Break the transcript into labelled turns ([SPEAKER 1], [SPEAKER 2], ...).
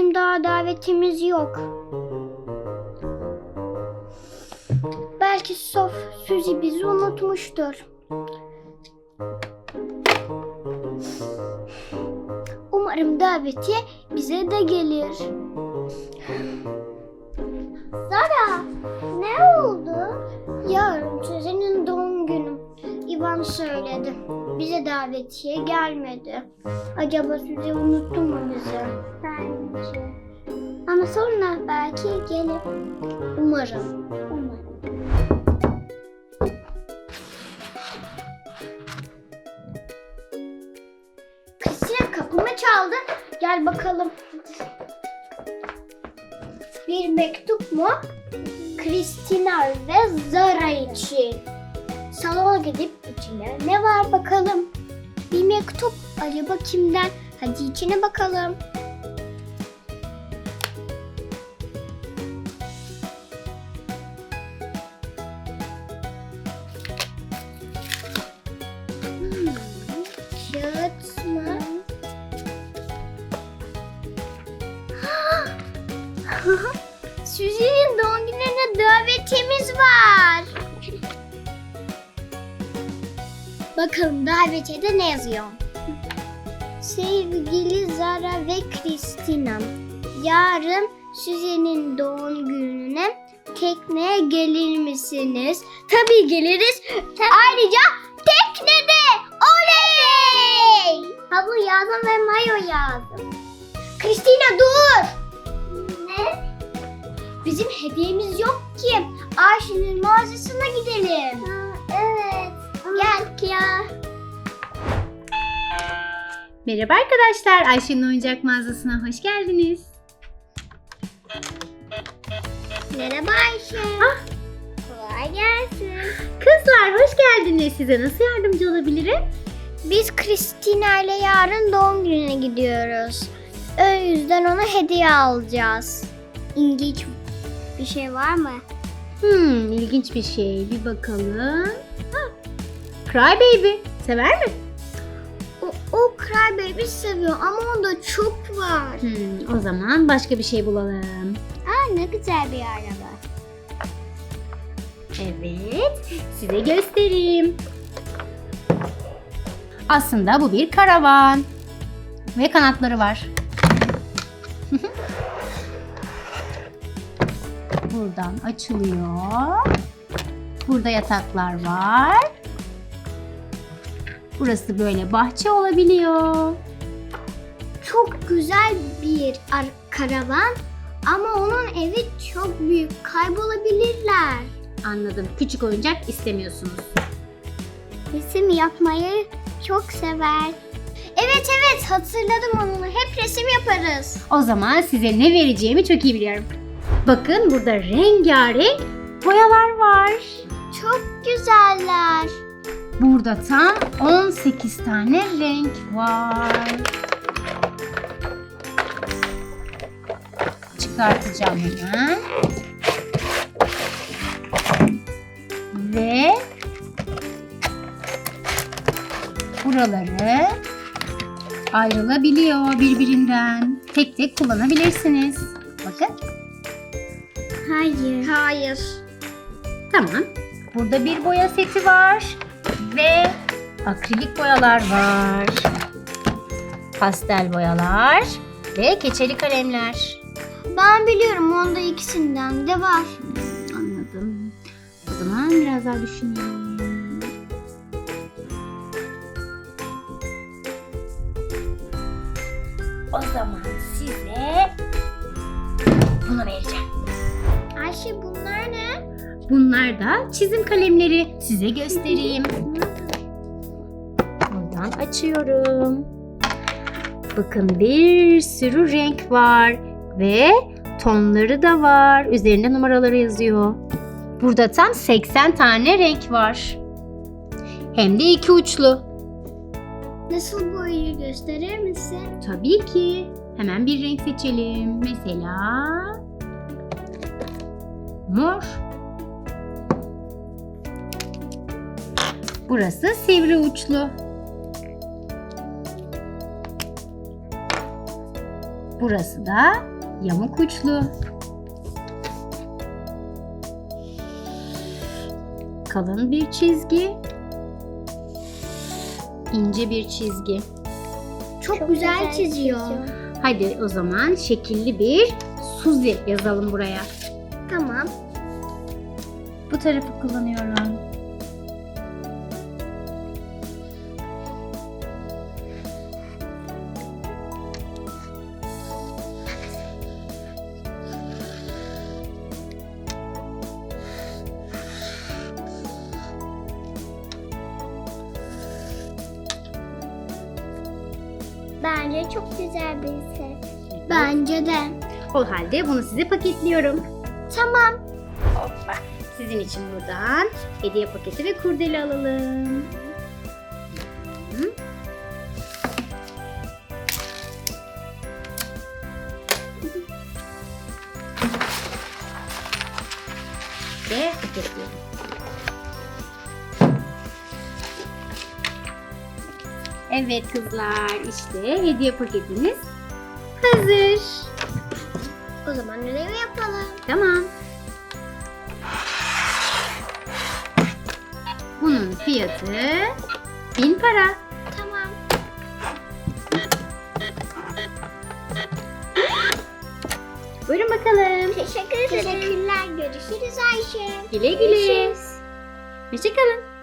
[SPEAKER 1] bizim daha davetimiz yok. Belki Suzy bizi unutmuştur. Umarım davetiye bize de gelir. Zara, ne oldu? Yarın Suzy'nin doğum günü. İvan söyledi. Bize davetiye gelmedi. Acaba Suzy unuttu mu bizi? Bence. Ama sonra belki gelir. Umarım. Kristina kapımı çaldı. Gel bakalım. Bir mektup mu? Kristina ve Zara için. Salona gidip içine ne var bakalım. Bir mektup. Acaba kimden? Hadi içine bakalım. Kağıt mı? Suzy'nin doğum gününe davetiyemiz var. Bakalım davetiyede ne yazıyor? Sevgili Zara ve Kristina, yarın Suzy'nin doğum gününe tekneye gelir misiniz? Tabii geliriz. Ayrıca teknede. Oley! Havlu yazdım ve mayo yazdım. Kristina dur! Ne? Bizim hediyemiz yok ki. Ayşe'nin mağazasına gidelim. Evet. Gel ya.
[SPEAKER 2] Merhaba arkadaşlar, Ayşe'nin oyuncak mağazasına hoş geldiniz.
[SPEAKER 1] Merhaba Ayşe. Kolay gelsin.
[SPEAKER 2] Kızlar hoş geldiniz. Size nasıl yardımcı olabilirim?
[SPEAKER 1] Biz Kristina ile yarın doğum gününe gidiyoruz. O yüzden ona hediye alacağız. İlginç bir şey var mı?
[SPEAKER 2] İlginç bir şey. Bir bakalım. Cry Baby. Sever mi?
[SPEAKER 1] O Cry Baby seviyor ama onda çok var.
[SPEAKER 2] O zaman başka bir şey bulalım.
[SPEAKER 1] Ne güzel bir araba.
[SPEAKER 2] Evet, size göstereyim. Aslında bu bir karavan. Ve kanatları var. Buradan açılıyor. Burada yataklar var. Burası böyle bahçe olabiliyor.
[SPEAKER 1] Çok güzel bir karavan ama onun evi çok büyük. Kaybolabilirler.
[SPEAKER 2] Anladım. Küçük oyuncak istemiyorsunuz.
[SPEAKER 1] Resim yapmayı çok sever. Evet hatırladım onu. Hep resim yaparız.
[SPEAKER 2] O zaman size ne vereceğimi çok iyi biliyorum. Bakın burada rengarenk boyalar var.
[SPEAKER 1] Çok güzeller.
[SPEAKER 2] Burada tam 18 tane renk var. Çıkartacağım hemen. Ve buraları ayrılabiliyor birbirinden. Tek tek kullanabilirsiniz. Bakın.
[SPEAKER 1] Hayır.
[SPEAKER 2] Tamam. Burada bir boya seti var. Ve akrilik boyalar var. Pastel boyalar ve keçeli kalemler.
[SPEAKER 1] Ben biliyorum onda ikisinden de var.
[SPEAKER 2] Anladım. O zaman biraz daha düşüneyim. O zaman size bunu vereceğim.
[SPEAKER 1] Ayşe bunlar ne?
[SPEAKER 2] Bunlar da çizim kalemleri. Size göstereyim. Buradan açıyorum. Bakın bir sürü renk var ve tonları da var. Üzerinde numaraları yazıyor. Burada tam 80 tane renk var. Hem de iki uçlu.
[SPEAKER 1] Nasıl boyayı gösterir misin?
[SPEAKER 2] Tabii ki. Hemen bir renk seçelim. Mesela mor. Burası sivri uçlu. Burası da yamuk uçlu. Kalın bir çizgi. İnce bir çizgi.
[SPEAKER 1] Çok güzel çiziyor.
[SPEAKER 2] Hadi o zaman şekilli bir Suzy yazalım buraya.
[SPEAKER 1] Tamam.
[SPEAKER 2] Bu tarafı kullanıyorum.
[SPEAKER 1] Bence çok güzel bir set. Bence de.
[SPEAKER 2] O halde bunu size paketliyorum.
[SPEAKER 1] Tamam.
[SPEAKER 2] Hoppa. Sizin için buradan hediye paketi ve kurdele alalım. Hı. Ve paketliyorum. Evet kızlar, işte hediye paketiniz hazır.
[SPEAKER 1] O zaman ödevi yapalım.
[SPEAKER 2] Tamam. Bunun fiyatı 1000 para.
[SPEAKER 1] Tamam.
[SPEAKER 2] Buyurun bakalım.
[SPEAKER 1] Teşekkür ederim. Teşekkürler. Görüşürüz Ayşe.
[SPEAKER 2] Güle güle.
[SPEAKER 1] Görüşürüz.
[SPEAKER 2] Hoşçakalın.